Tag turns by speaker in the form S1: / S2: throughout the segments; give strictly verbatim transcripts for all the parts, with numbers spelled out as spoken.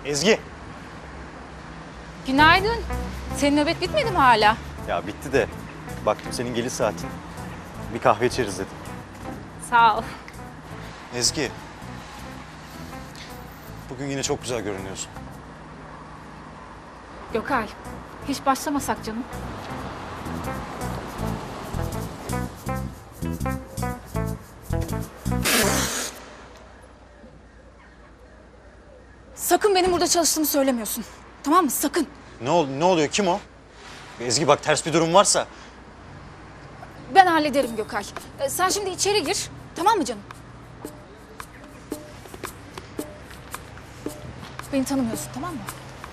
S1: Ezgi.
S2: Günaydın. Senin nöbet bitmedi mi hala?
S1: Ya bitti de baktım senin geliş saatin. Bir kahve içeriz dedim.
S2: Sağ ol.
S1: Ezgi. Bugün yine çok güzel görünüyorsun.
S2: Gökay, hiç başlamasak canım. Sakın benim burada çalıştığımı söylemiyorsun. Tamam mı? Sakın.
S1: Ne ol ne oluyor? Kim o? Ezgi bak ters bir durum varsa.
S2: Ben hallederim Gökay. Ee, sen şimdi içeri gir. Tamam mı canım? Beni tanımıyorsun, tamam mı?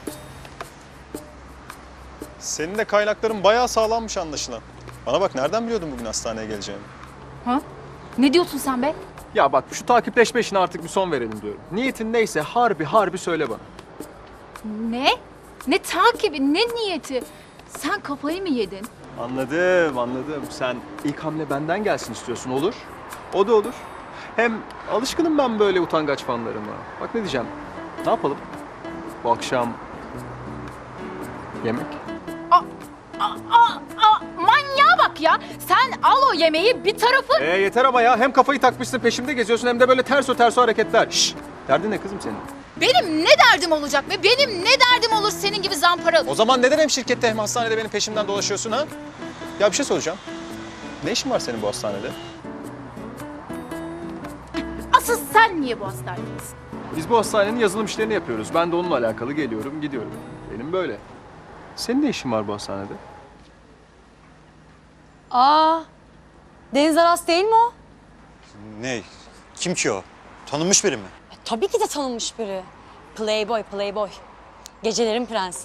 S3: Senin de kaynakların bayağı sağlammış anlaşılan. Bana bak, nereden biliyordun bugün hastaneye geleceğimi?
S2: Ha? Ne diyorsun sen be?
S3: Ya bak, şu takipleşme işine artık bir son verelim diyorum. Niyetin neyse harbi harbi söyle bana.
S2: Ne? Ne takibi, ne niyeti? Sen kafayı mı yedin?
S3: Anladım, anladım. Sen ilk hamle benden gelsin istiyorsun, olur. O da olur. Hem alışkınım ben böyle utangaç fanlarıma. Bak ne diyeceğim, ne yapalım? Bu akşam yemek.
S2: Aa, aa, aa, manyağa bak ya. Sen al o yemeği bir tarafı...
S3: Ee yeter ama ya, hem kafayı takmışsın peşimde geziyorsun hem de böyle terso terso hareketler. Şşş, derdin ne kızım senin?
S2: Benim ne derdim olacak be? Benim ne derdim olur senin gibi zamparalı?
S3: O zaman neden hem şirkette hem hastanede benim peşimden dolaşıyorsun ha? Ya bir şey soracağım. Ne işin var senin bu hastanede?
S2: Asıl sen niye bu hastanedesin?
S3: Biz bu hastanenin yazılım işlerini yapıyoruz. Ben de onunla alakalı geliyorum, gidiyorum. Benim böyle. Senin ne işin var bu hastanede?
S4: Aa, Deniz Aras değil mi o?
S1: Ne? Kim ki o? Tanınmış biri mi?
S4: E, tabii ki de tanınmış biri. Playboy, playboy. Gecelerin prensi.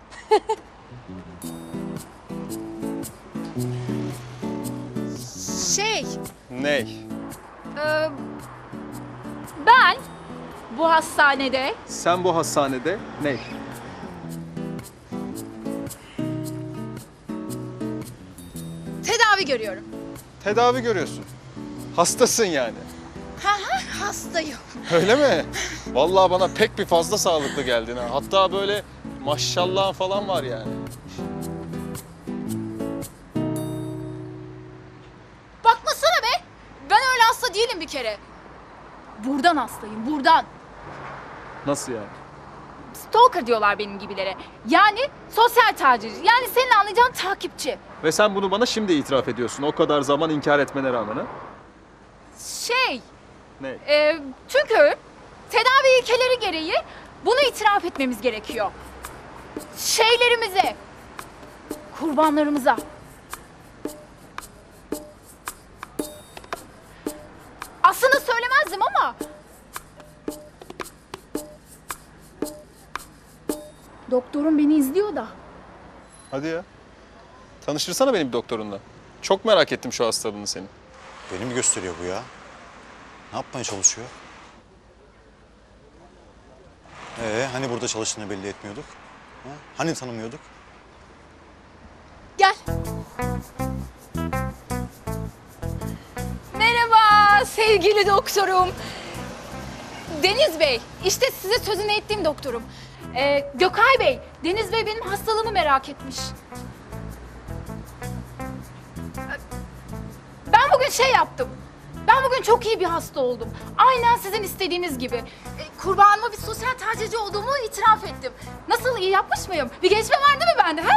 S2: Şey,
S3: Ney?
S2: e, ben bu hastanede
S3: Sen bu hastanede ney?
S2: tedavi görüyorum.
S3: Tedavi görüyorsun. Hastasın yani.
S2: Ha ha, hastayım.
S3: Öyle mi? Vallahi bana pek bir fazla sağlıklı geldin ha. Hatta böyle maşallah falan var yani.
S2: Bakmasana be. Ben öyle hasta değilim bir kere. Buradan hastayım, buradan.
S3: Nasıl yani?
S2: Stalker diyorlar benim gibilere. Yani sosyal tacizci. Yani senin anlayacağın takipçi.
S3: Ve sen bunu bana şimdi itiraf ediyorsun. O kadar zaman inkar etmene rağmen ha?
S2: Şey,
S3: Ne?
S2: e, çünkü tedavi ilkeleri gereği bunu itiraf etmemiz gerekiyor. Şeylerimize, kurbanlarımıza. Aslında söylemezdim ama... Doktorum beni izliyor da.
S3: Hadi ya. Tanıştırsana benim doktorunla. Çok merak ettim şu hastalığını senin.
S1: Beni mi gösteriyor bu ya? Ne yapmaya çalışıyor? Ee, hani burada çalıştığını belli etmiyorduk? Ha? Hani tanımıyorduk?
S2: Gel. Merhaba sevgili doktorum. Deniz Bey, işte size sözünü ettiğim doktorum. Ee, Gökay Bey, Deniz Bey benim hastalığımı merak etmiş. Ben bugün şey yaptım. Ben bugün çok iyi bir hasta oldum. Aynen sizin istediğiniz gibi. Ee, kurbanıma bir sosyal tacizci olduğumu itiraf ettim. Nasıl, iyi yapmış mıyım? Bir gelişme var değil mi bende? Ha?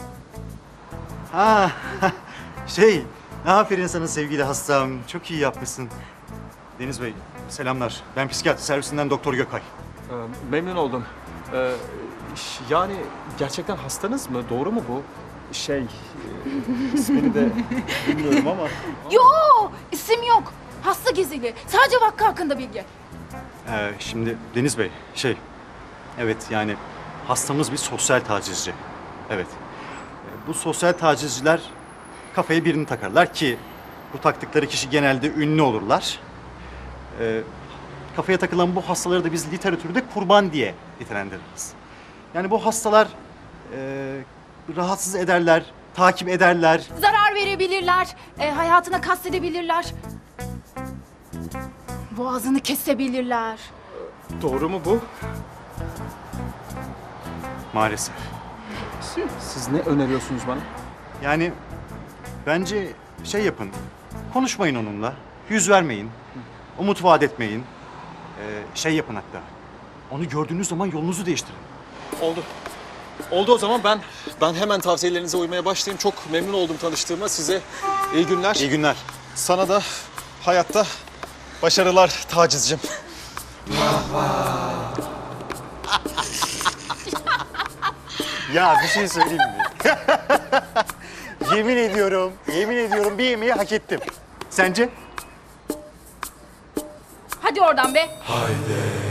S1: Ha, şey, ne aferin sana sevgili hastam. Çok iyi yapmışsın. Deniz Bey, selamlar. Ben psikiyatri servisinden Doktor Gökay.
S3: Ee, memnun oldum. Ee, ş- yani gerçekten hastanız mı? Doğru mu bu? Şey, e, ismini de bilmiyorum ama.
S2: Yo, isim yok. Hasta gizli. Sadece vaka hakkında bilgi.
S1: Ee, şimdi Deniz Bey, şey, evet yani hastamız bir sosyal tacizci. Evet. Ee, Bu sosyal tacizciler kafaya birini takarlar ki bu taktıkları kişi genelde ünlü olurlar. Ee, kafaya takılan bu hastaları da biz literatürde kurban diye nitelendiririz. Yani bu hastalar e, rahatsız ederler, takip ederler.
S2: Zarar verebilirler, e, hayatına kastedebilirler. Boğazını kesebilirler.
S3: Doğru mu bu?
S1: Maalesef.
S3: Siz ne öneriyorsunuz bana?
S1: Yani bence şey yapın. Konuşmayın onunla. Yüz vermeyin. Umut vaat etmeyin. Ee, şey yapın hatta. Onu gördüğünüz zaman yolunuzu değiştirin.
S3: Oldu. Oldu o zaman ben ben hemen tavsiyelerinize uymaya başlayayım. Çok memnun oldum tanıştığıma. Size iyi günler.
S1: İyi günler.
S3: Sana da hayatta başarılar Tacizciğim.
S5: Ya bir şey söyleyeyim mi? Yemin ediyorum, yemin ediyorum bir yemeği hak ettim. Sence?
S2: Hadi oradan be.